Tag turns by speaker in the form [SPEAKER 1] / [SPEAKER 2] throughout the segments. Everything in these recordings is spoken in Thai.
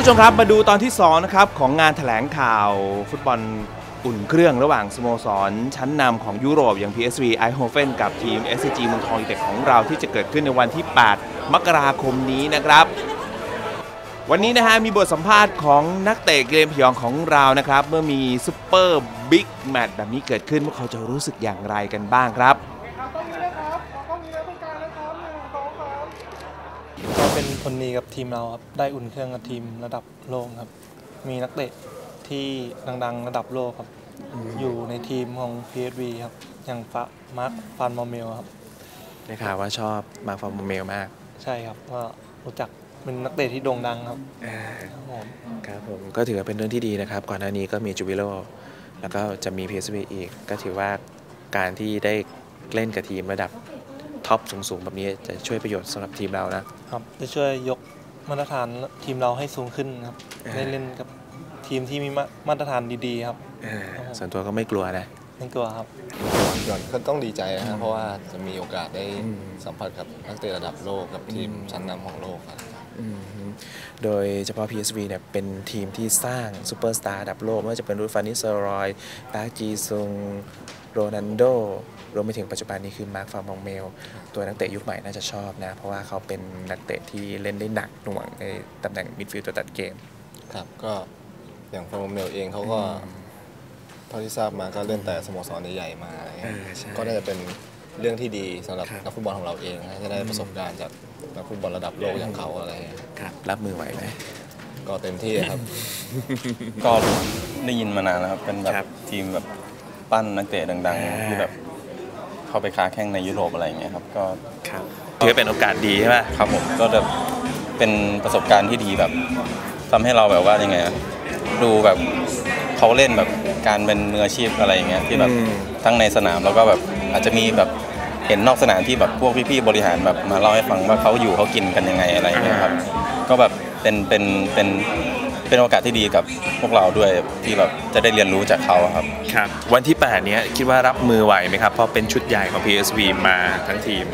[SPEAKER 1] ผู้ชมครับมาดูตอนที่2นะครับของงานแถลงข่าวฟุตบอลอุ่นเครื่องระหว่างสโมสรชั้นนำของยุโรปอย่าง PSV Eindhoven กับทีม SCG เมืองทองยูไนเต็ดของเราที่จะเกิดขึ้นในวันที่ 8 มกราคมนี้นะครับวันนี้นะฮะมีบทสัมภาษณ์ของนักเตะเกมพยองของเรานะครับเมื่อมีซุปเปอร์บิ๊กแมตช์แบบนี้เกิดขึ้นพวกเขาจะรู้สึกอย่างไรกันบ้างครับ
[SPEAKER 2] ก็เป็นผลดีกับทีมเราครับได้อุ่นเครื่องกับทีมระดับโลกครับมีนักเตะที่ดังๆระดับโลกครับอยู่ในทีมของ PSV ครับอย่างมาร์คฟานมอร์เมลครับ
[SPEAKER 1] ได้ข่าวว่าชอบมาร์คฟานมอร์เมลมาก
[SPEAKER 2] ใช่ครับก็รู้จักเป็นนักเตะที่โด่งดังครับ
[SPEAKER 1] ครับผมก็ถือว่าเป็นเรื่องที่ดีนะครับก่อนหน้านี้ก็มีจูบิโลแล้วก็จะมี PSV อีกก็ถือว่าการที่ได้เล่นกับทีมระดับท็อปสูงๆแบบนี้จะช่วยประโยชน์สำหรับทีมเรานะครับ
[SPEAKER 2] จะช่วยยกมาตรฐานทีมเราให้สูงขึ้นครับได้เล่นกับทีมที่มีมาตรฐานดีๆครับ
[SPEAKER 1] ส่วนตัวก็ไม่กลัวนะ
[SPEAKER 2] ไม่กลัวครับ
[SPEAKER 3] ก่อนก็ต้องดีใจนะครับเพราะว่าจะมีโอกาสได้สัมผัสกับนักเตะระดับโลกกับทีมชั้นนำของโลกครับ
[SPEAKER 1] โดยเฉพาะ PSV เนี่ยเป็นทีมที่สร้างซูเปอร์สตาร์ระดับโลกไม่ว่าจะเป็นรูดฟานิสเซอรอยปาร์จีซุงโรนัลโดรวมไปถึงปัจจุบันนี้คือมาร์คฟานมองเมลตัวนักเตะยุคใหม่น่าจะชอบนะเพราะว่าเขาเป็นนักเตะที่เล่นได้หนักหน่วงในตำแหน่งมิดฟิลด์ตัวตัดเกม
[SPEAKER 3] ครับก็อย่างฟานมองเมลเองเขาก็เท่าที่ทราบมาก็เล่นแต่สโมสรใหญ่ๆมาก็น่าจะเป็นเรื่องที่ดีสำหรับนักฟุตบอลของเราเองจะได้ประสบการณ์จากนักฟุตบอลระดับโลกอย่างเขาอะไร
[SPEAKER 1] ครับรับมือไหวไหม
[SPEAKER 3] ก็เต็มที่ครับ
[SPEAKER 4] ก็ได้ยินมานานแล้วครับเป็นแบบทีมแบบปั้นนักเตะดังๆที่แบบเข้าไปค้าแข่งในยุโรปอะไรอย่างเงี้ยครับก็
[SPEAKER 1] ถือเป็นโอกาสดีใช่ไหม
[SPEAKER 4] ครับผมก็จะเป็นประสบการณ์ที่ดีแบบทำให้เราแบบว่ายังไงดูแบบเขาเล่นแบบการเป็นมืออาชีพอะไรอย่างเงี้ยที่แบบทั้งในสนามแล้วก็แบบอาจจะมีแบบเห็นนอกสนามที่แบบพวกพี่ๆบริหารแบบมาเล่าให้ฟังว่าเขาอยู่เขากินกันยังไงอะไรอย่างเงี้ยครับก็แบบเป็นโอกาสที่ดีกับพวกเราด้วยที่แบบจะได้เรียนรู้จากเขาครับ
[SPEAKER 1] ครับวันที่8เนี้ยคิดว่ารับมือไหวไหมครับเพราะเป็นชุดใหญ่ของ PSV มาทั้งทีม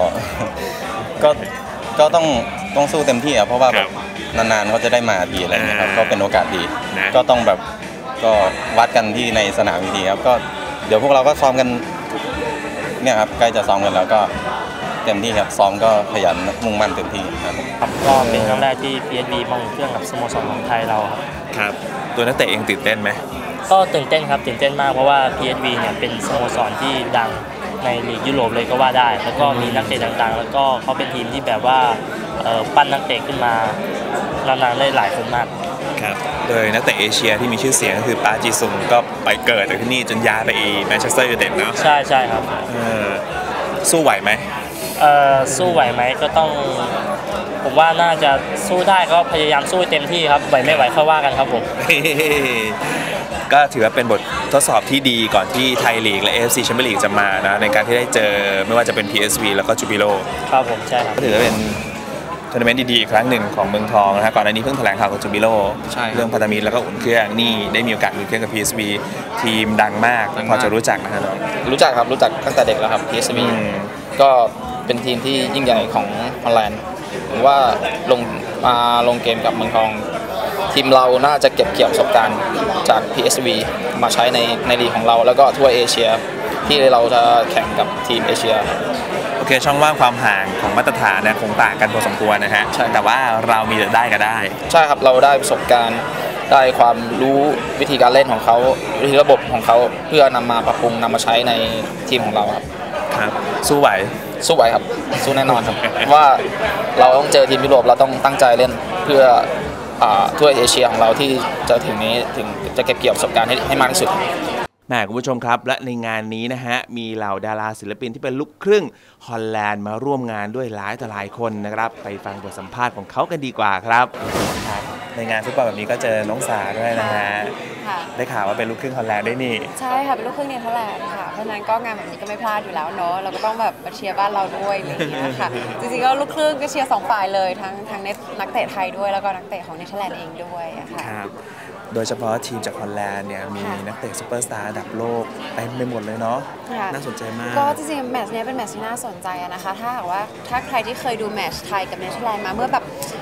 [SPEAKER 4] ก็ต้องสู้เต็มที่เพราะว่าแบบนานๆเขาจะได้มาทีอะไรเงี้ยครับก็เป็นโอกาสดีก็ต้องแบบก็วัดกันที่ในสนามทีครับก็เดี๋ยวพวกเราก็ซ้อมกันเนี่ยครับใกล้จะซ้อมกันแล้วก็เต็มที่ครับซ้อมก็ขยันมุ่งมั่นเต็มที่ครับ
[SPEAKER 5] ก็เป็นครั้งแรกที่ PSV มาอุ่นเครื่องกับสโมสรของไทยเรา
[SPEAKER 1] ครับตัวนักเตะเองตื่นเต้นไหม
[SPEAKER 5] ก็ตื่นเต้นครับตื่นเต้นมากเพราะว่า PSV เนี่ยเป็นสโมสรที่ดังในลีกยุโรปเลยก็ว่าได้แล้วก็มีนักเตะต่างๆแล้วก็เขาเป็นทีมที่แบบว่าปั้นนักเตะขึ้นมานานๆได้หลายคนมาก
[SPEAKER 1] ครับโดยนักเตะเอเชียที่มีชื่อเสียงก็คือปาจีซุงก็ไปเกิดจากที่นี่จนย้ายไปแมนเชสเตอร์ยูไนเต็ดเนาะ
[SPEAKER 5] ใช่ครับ
[SPEAKER 1] สู้ไหวไหม
[SPEAKER 5] สู้ไหวไหมก็ต้องผมว่าน่าจะสู้ได้ก็พยายามสู้เต็มที่ครับไหวไม่ไหวค่อยว่ากันครับผม
[SPEAKER 1] ก็ถือว่าเป็นบททดสอบที่ดีก่อนที่ไทยลีกและ AFC แชมเปี้ยนลีกจะมานะในการที่ได้เจอไม่ว่าจะเป็น PSV แล้วก็จูบิโล
[SPEAKER 5] ครับผมใช่ครับ
[SPEAKER 1] ก็ถือว่าเป็นทัวร์นาเมนต์ดีๆอีกครั้งหนึ่งของเมืองทองนะฮะก่อนหน้านี้เพิ่งแถลงข่าวกับจูบิโลเรื่องพันธมิตรแล้วก็อุ่นเครื่องนี่ได้มีโอกาสอุ่นเครื่องกับ PSV ทีมดังมากพอจะรู้จักนะครับ
[SPEAKER 6] รู้จักครับรู้จักตั้งแต่เด็กแล้วครับ PSV ก็เป็นทีมที่ยิ่งใหญ่ของฮอลแลนด์ผมว่าลงเกมกับเมืองทองทีมเราน่าจะเก็บเกี่ยวประสบการณ์จาก PSV มาใช้ในลีกของเราแล้วก็ทั่วเอเชียที่เราจะแข่งกับทีมเอเชีย
[SPEAKER 1] โอเคช่องว่างความห่างของมาตรฐานนะคงต่างกันพอสมควรนะฮะแต่ว่าเรามีได้ก็ได้
[SPEAKER 6] ใช่ครับเราได้ประสบการณ์ได้ความรู้วิธีการเล่นของเขาวิธีระบบของเขาเพื่อนำมาปรับปรุงนำมาใช้ในทีมของเรา
[SPEAKER 1] ครับสู้ไหว
[SPEAKER 6] ครับสู้แน่นอนครับว่าเราต้องเจอทีมยุโรปเราต้องตั้งใจเล่นเพื่อทั่วเอเชียของเราที่จะถึงจะเก็บเกี่ยวประสบการณ์ให้มากที่สุด
[SPEAKER 1] คุณผู้ชมครับและในงานนี้นะฮะมีเหล่าดาราศิลปินที่เป็นลูกครึ่งฮอลแลนด์มาร่วมงานด้วยหลายต่อหลายคนนะครับไปฟังบทสัมภาษณ์ของเขากันดีกว่าครับในงานฟุตบอลแบบนี้ก็เจอน้องสาด้วยนะฮะได้ข่าวว่าเป็นลูกครึ่งฮอลแลนด์ด้วยนี่
[SPEAKER 7] ใช่ค่ะเป็นลูกครึ่งเนเธอร์แลนด์ค่ะเพราะฉะนั้นก็งานแบบนี้ก็ไม่พลาดอยู่แล้วเนาะเราก็ต้องแบบมาเชียร์บ้านเราด้วยอะไรอย่างเงี้ยค่ะจริงๆก็ลูกครึ่งก็เชียร์2ฝ่ายเลยทั้งนักเตะไทยด้วยแล้วก็นักเตะของเนเธอร์แลนด์เองด้วยค่ะ
[SPEAKER 1] โดยเฉพาะทีมจากฮอลแลนด์เนี่ยมีนักเตะซุปเปอร์สตาร์ระดับโลกเต็มไปหมดเลยเนาะน่าสนใจมาก
[SPEAKER 7] ก็จริงๆแมตช์นี้เป็นแมตช์ที่น่าสนใจนะคะถ้าใครที่เคยดูแมตช์ไทยกับเนเธอร์แลนด์มาเมื่อแบบ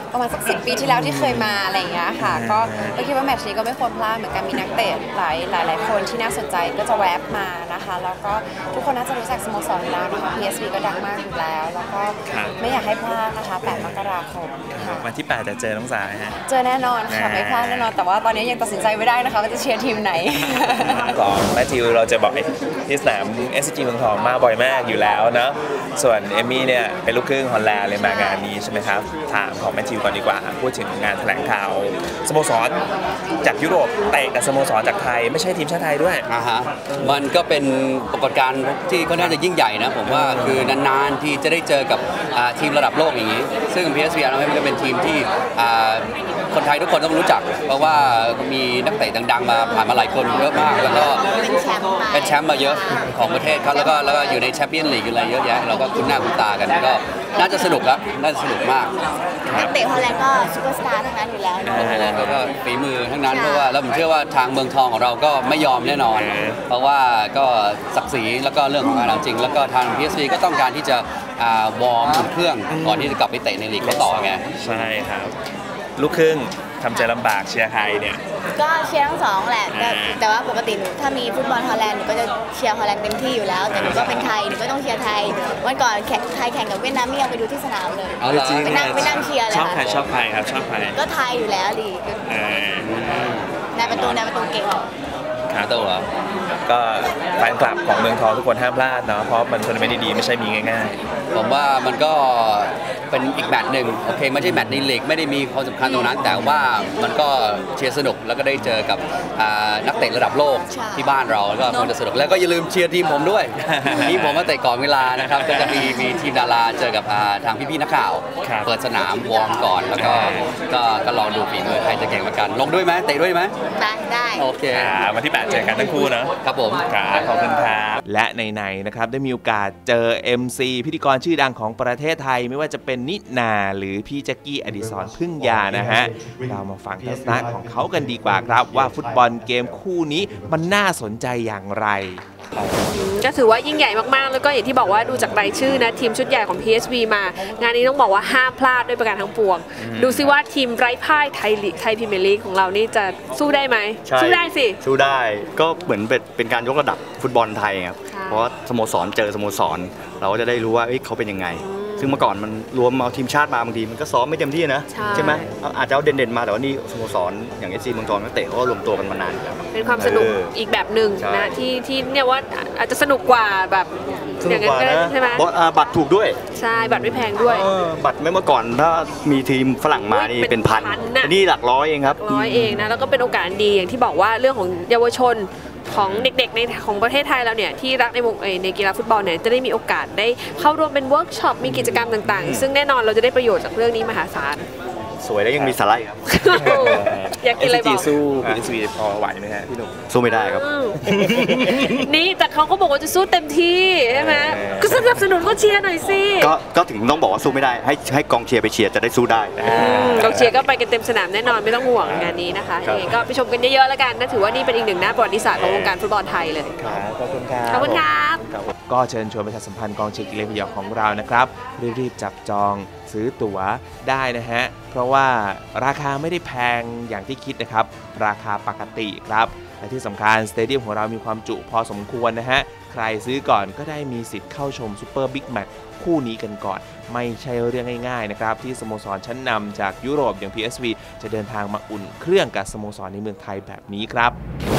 [SPEAKER 7] ประมาณสัก10 ปีที่แล้วที่เคยมาอะไรอย่างเงี้ยค่ะก็คิดว่าแมตช์นี้ก็ไม่ควรพลาดเหมือนกันมีนักเตะหลายคนที่น่าสนใจก็จะแวบมานะคะแล้วก็ทุกคนน่าจะรู้จักสโมสรอยู่แล้วนะคะ PSV ก็ดังมากอยู่แล้วแล้วก็ไม่อยากให้พลาดนะคะ8 มกราคมค่ะ
[SPEAKER 1] วันที่8จะเจอน้องสายฮะ
[SPEAKER 7] เจอแน่นอนค่ะไม่พลาดแน่นอนแต่ว่าตอนนี้ยังตัดสินใจไม่ได้นะคะว่าจะเชียร์ทีมไหน
[SPEAKER 1] ของแมทธิวเราจะบ่อยที่สนาม SCG เมืองทองมาบ่อยมากอยู่แล้วเนาะส่วนเอมี่เนี่ยเป็นลูกครึ่งฮอลแลนด์เลยมางานนี้ใช่ไหมครับถามของแมทธิวก่อนดีกว่าพูดถึงงานแถลงข่าวสโมสรจากยุโรปเตะกับสโมสรจากไทยไม่ใช่ทีมชาติไทยด้วย
[SPEAKER 8] มันก็เป็นปรากฏการณ์ที่ค่อนข้างจะยิ่งใหญ่นะผมว่าคือนานๆที่จะได้เจอกับทีมระดับโลกอย่างนี้ซึ่ง PSV มันก็เป็นทีมที่คนไทยทุกคนต้องรู้จักเพราะว่ามีนักเตะดังๆมาผ่านมาหลายคนเยอะมากแล้วก็เป็นแชมป์มาเยอะของประเทศเขาแล้วก็อยู่ในแชมเปี้ยนลีกอะไรเยอะแยะเราก็คุ้นหน้าคุ้นตากันก็น่าจะสนุกครับน่าจะสนุกมาก
[SPEAKER 9] นักเตะฮอลแลนด์ก็ซุปเปอร์สตาร์ทั้งนั้นอยู่แล้ว
[SPEAKER 8] ฮอลแลนด์ก็ฝีมือทั้งนั้นเพราะว่าแล้วผมเชื่อว่าทางเมืองทองของเราก็ไม่ยอมแน่นอนเพราะว่าก็ศักดิ์ศรีแล้วก็เรื่องของงานจริงแล้วก็ทาง PSV ก็ต้องการที่จะวอร์มอุ่นเครื่องก่อนที่จะกลับไปเตะในลีกเขาต่อไง
[SPEAKER 1] ใช่ครับลูกครึ่งทำใจลำบากเชียร์ใครเนี่ย
[SPEAKER 9] ก็เชียร์ทั้งสองแหละแต่ว่าปกติหนูถ้ามีฟุตบอลฮอลแลนด์หนูก็จะเชียร์ฮอลแลนด์เต็มที่อยู่แล้วแต่หนูก็เป็นไทยหนูก็ต้องเชียร์ไทยวันก่อนไทยแข่งกับเวียดนามไม่ยังไปดูที่สนามเลยไปนั่งเชียร์เลยค่ะ
[SPEAKER 1] ชอบใครครับชอบใคร
[SPEAKER 9] ก็ไทยอยู่แล้วดินายประตูเก่ง
[SPEAKER 1] ขาตัวก็แฟนคลับของเมืองทองทุกคนห้ามพลาดเนาะเพราะมันทัวร์นาเมนต์ดีๆไม่ใช่มีง่าย
[SPEAKER 8] ๆผมว่ามันก็เป็นอีกแมตช์หนึ่งโอเคไม่ใช่แมตช์ในลีกไม่ได้มีความสำคัญตรงนั้นแต่ว่ามันก็เชียร์สนุกแล้วก็ได้เจอกับนักเตะระดับโลกที่บ้านเราแล้วก็คงจะสนุกแล้วก็อย่าลืมเชียร์ทีมผมด้วยทีมผมมาเตะก่อนเวลานะครับก็จะมีทีมดาราเจอกับทางพี่ๆนักข่าวเปิดสนามวอร์มก่อนแล้วก็ลองดูฝีมือใครจะเก่งกว่ากันลงด้วยไหมเตะด้วยไหม
[SPEAKER 9] ได้
[SPEAKER 8] โอเค
[SPEAKER 1] วันที่8เจอกันทั้งคู่เนาะ
[SPEAKER 8] ครับผม
[SPEAKER 1] ขอบคุณครับและในนะครับได้มีโอกาสเจอ MC พิธีกรชื่อดังของประเทศไทยไม่ว่าจะเป็นนินาหรือพี่แจ็คกี้อดิศรพึ่งยานะฮะเรามาฟังทัศนะของเขากันดีกว่าครับว่าฟุตบอลเกมคู่นี้มันน่าสนใจอย่างไร
[SPEAKER 10] ก็ถือว่ายิ่งใหญ่มากๆแล้วก็อย่างที่บอกว่าดูจากรายชื่อนะทีมชุดใหญ่ของ PSV มางานนี้ต้องบอกว่าห้ามพลาดด้วยประการทั้งปวงดูซิว่าทีมไร้พ่ายไทยพรีเมียร์ลีกของเรานี่จะสู้ได้ไหมสู้ได้สิ
[SPEAKER 11] สู้ได้ก็เหมือนเป็นการยกระดับฟุตบอลไทยครับเพราะสโมสรเจอสโมสรเราก็จะได้รู้ว่าเขาเป็นยังไงซึ่งเมื่อก่อนมันรวมเอาทีมชาติมาบางทีมันก็ซ้อมไม่เต็มที่นะใช่ไหมอาจจะเอาเด่นๆมาแต่ว่านี่สโมสรอย่าง SC เมืองทองนักเตะเขาก็รวมตัวกันมานานแล้ว
[SPEAKER 10] เป็นความสนุกอีกแบบหนึ่งนะที่เนี่ยว่าอาจจะสนุกกว่าแบบอย่างนั้นใช่ไหม
[SPEAKER 11] บัตรถูกด้วย
[SPEAKER 10] ใช่บัตรไม่แพงด้วย
[SPEAKER 11] บัตรไม่เมื่อก่อนถ้ามีทีมฝรั่งมานี่เป็นพันนี่หลักร้อยเองครับ
[SPEAKER 10] 100เองนะแล้วก็เป็นโอกาสดีอย่างที่บอกว่าเรื่องของเยาวชนของเด็กๆในของประเทศไทยเราเนี่ยที่รักในกีฬาฟุตบอลเนี่ยจะได้มีโอกาสได้เข้าร่วมเป็นเวิร์กช็อปมีกิจกรรมต่างๆซึ่งแน่นอนเราจะได้ประโยชน์จากเรื่องนี้มหาศาล
[SPEAKER 11] สวยแล้วยังมีสาระครับ
[SPEAKER 10] อยากกินอะไรบอก
[SPEAKER 1] สู้ PSV พอไหวไหมฮะพี่หนุ่ม
[SPEAKER 11] สู้ไม่ได้ครับ
[SPEAKER 10] นี่แต่เขาก็บอกว่าจะสู้เต็มที่ใช่ไหมก็สนับสนุนก็เชียร์หน่อยสิ
[SPEAKER 11] ก็ถึงต้องบอกว่าสู้ไม่ได้ให้กองเชียร์ไปเชียร์จะได้สู้ได้
[SPEAKER 10] กองเชียร์ก็ไปกันเต็มสนามแน่นอนไม่ต้องห่วงงานนี้นะคะก็ไปชมกันเยอะๆแล้วกันนะถือว่านี่เป็นอีกหนึ่งหน้าประวัติศาสตร์ของวงการฟุตบอลไทยเลย
[SPEAKER 1] ขอบคุณครับ
[SPEAKER 10] ขอบคุณครับ
[SPEAKER 1] ก็เชิญชวนประชาสัมพันธ์กองเชียร์กีฬาพยองของเรานะครับรีบๆจับจองซื้อตั๋วได้นะฮะเพราะว่าราคาไม่ได้แพงอย่างที่คิดนะครับราคาปกติครับและที่สำคัญสเตเดียมของเรามีความจุพอสมควรนะฮะใครซื้อก่อนก็ได้มีสิทธิ์เข้าชมซูเปอร์บิ๊กแมตช์คู่นี้กันก่อนไม่ใช่เรื่องง่ายๆนะครับที่สโมสรชั้นนำจากยุโรปอย่าง PSV จะเดินทางมาอุ่นเครื่องกับสโมสรในเมืองไทยแบบนี้ครับ